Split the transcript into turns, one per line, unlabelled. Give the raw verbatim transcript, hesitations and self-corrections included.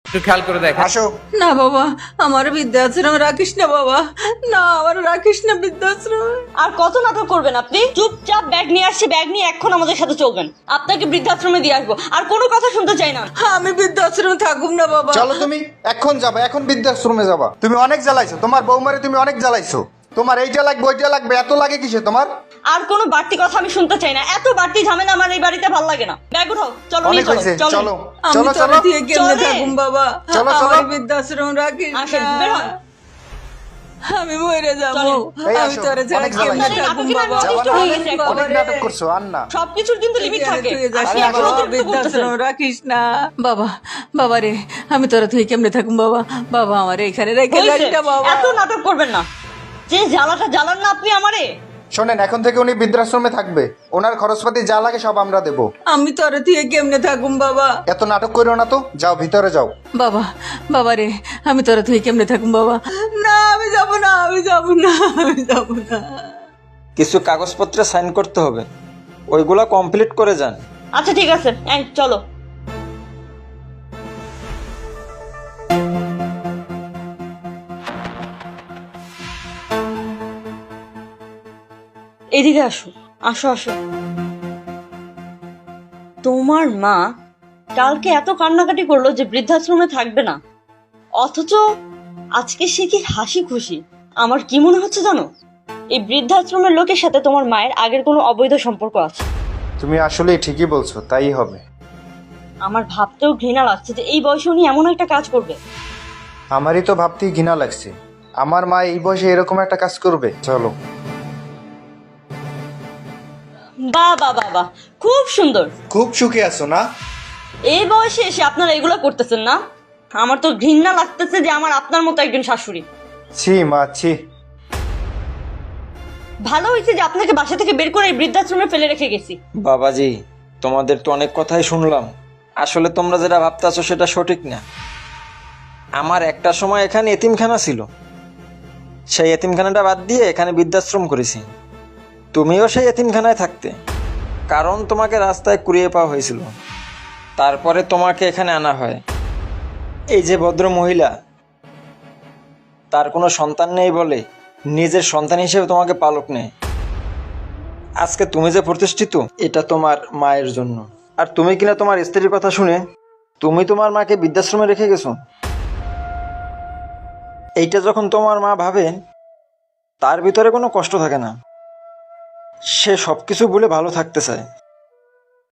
একটু খেয়াল করে দেখ।
আসো।
না বাবা, আমার বৃদ্ধাশ্রম রাখিস না বাবা, না আমার রাখিস না বৃদ্ধাশ্রম।
আর কত নাটক করবেন আপনি? চুপচাপ ব্যাগ নিয়ে আসছি, ব্যাগ নিয়ে এখন আমাদের সাথে চলবেন। আপনাকে বৃদ্ধাশ্রমে দিয়ে আসবো, আর কোনো কথা শুনতে চাই না।
আমি বৃদ্ধাশ্রমে থাকুম না বাবা।
চলো তুমি এখন যাবা, এখন বৃদ্ধাশ্রমে যাবা। তুমি অনেক জ্বালাইছো, তোমার বৌমারে তুমি অনেক জ্বালাইছো। তোমার এইটা লাগবে ওইটা লাগবে, এত লাগে কিসে তোমার?
আর কোনো বাড়তি কথা আমি শুনতে চাই না। এত বাড়তি ঝামেলা আমার এই বাড়িতে ভালো লাগে না। ব্যাগ উঠাও, চলো
অনেক
নিয়ে চলো
হয়েছে,
চলো।
চলো
আমি
চলো
তোর
চলো
দিয়ে কেমনে
চলে।
থাকুম বাবা,
চলো, চলো।
আমার বৃদ্ধাশ্রম রাখিস
আসেন,
না।
বের হন।
আমি মরে যাবো,
চলেন।
এই
আমি
আসো,
তোরে ছাড়া
অনেক
কেমনে
জ্বালাইছো।
থাকুম
নাটকের
বাবা।
আমি অতিষ্ঠ হয়ে গেছি এখন।
অনেক নাটক করছো, আর না।
সবকিছুর কিন্তু লিমিট থাকে। আপনি এখন
বাবা,
অতিরিক্ত করতেছেন।
বৃদ্ধাশ্রম রাখিস না বাবা। বাবা রে, আমি তোরা তুই কেমনে থাকুম বাবা, বাবা আমার এখানে রেখে যাস
হয়েছে,
না বাবা।
এত নাটক করবেন না। যে জ্বালাটা জ্বালান না আপনি আমারে।
শোনেন, এখন থেকে উনি বৃদ্ধাশ্রমে থাকবে, ওনার খরচপাতি যা লাগে সব আমরা দেবো।
আমি তোরা তুই কেমনে থাকুম বাবা।
এত নাটক করো না তো, যাও ভিতরে যাও।
বাবা, বাবা রে, আমি তোরা তুই কেমনে থাকুম বাবা। না আমি যাব না, আমি যাব না, আমি যাব না।
কিছু কাগজপত্রে সাইন করতে হবে, ওইগুলা কমপ্লিট করে যান।
আচ্ছা ঠিক আছে, এই চলো। এদিকে আসো, আসো আসো। তোমার মা কালকে এত কান্নাকাটি করলো যে বৃদ্ধাশ্রমে থাকবে না, অথচ আজকে সে কি হাসি খুশি। আমার কি মনে হচ্ছে জানো, এই বৃদ্ধাশ্রমের লোকের সাথে তোমার মায়ের আগের কোনো অবৈধ সম্পর্ক আছে।
তুমি আসলে ঠিকই বলছো, তাই হবে।
আমার ভাবতেও ঘৃণা লাগছে যে এই বয়সে উনি এমন একটা কাজ করবে।
আমারই তো ভাবতেই ঘৃণা লাগছে, আমার মা এই বয়সে এরকম একটা কাজ করবে। চলো।
বাহ বাহ বাহ বাহ, খুব সুন্দর।
খুব সুখে আছো না?
এই বয়সে এসে আপনারা এগুলো করতেছেন না? আমার তো ঘৃণা লাগতেছে যে আমার আপনার মতো একজন শাশুড়ি।
ছি মা, ছি।
ভালো হয়েছে যে আপনাকে বাসা থেকে বের করে এই বৃদ্ধাশ্রমে ফেলে রেখে গেছি।
বাবাজি, তোমাদের তো অনেক কথাই শুনলাম, আসলে তোমরা যেটা ভাবতেছো সেটা সঠিক না। আমার একটা সময় এখানে এতিমখানা ছিল, সেই এতিমখানাটা বাদ দিয়ে এখানে বৃদ্ধাশ্রম করেছি। তুমিও সেই এতিমখানায় থাকতে, কারণ তোমাকে রাস্তায় কুড়িয়ে পাওয়া হয়েছিল, তারপরে তোমাকে এখানে আনা হয়। এই যে ভদ্র মহিলা, তার কোনো সন্তান নেই বলে নিজের সন্তান হিসেবে তোমাকে পালক নেয়। আজকে তুমি যে প্রতিষ্ঠিত, এটা তোমার মায়ের জন্য। আর তুমি কিনা তোমার স্ত্রীর কথা শুনে তুমি তোমার মাকে বৃদ্ধাশ্রমে রেখে গেছো। এইটা যখন তোমার মা ভাবে, তার ভিতরে কোনো কষ্ট থাকে না, সে সব কিছু ভুলে ভালো থাকতে চায়।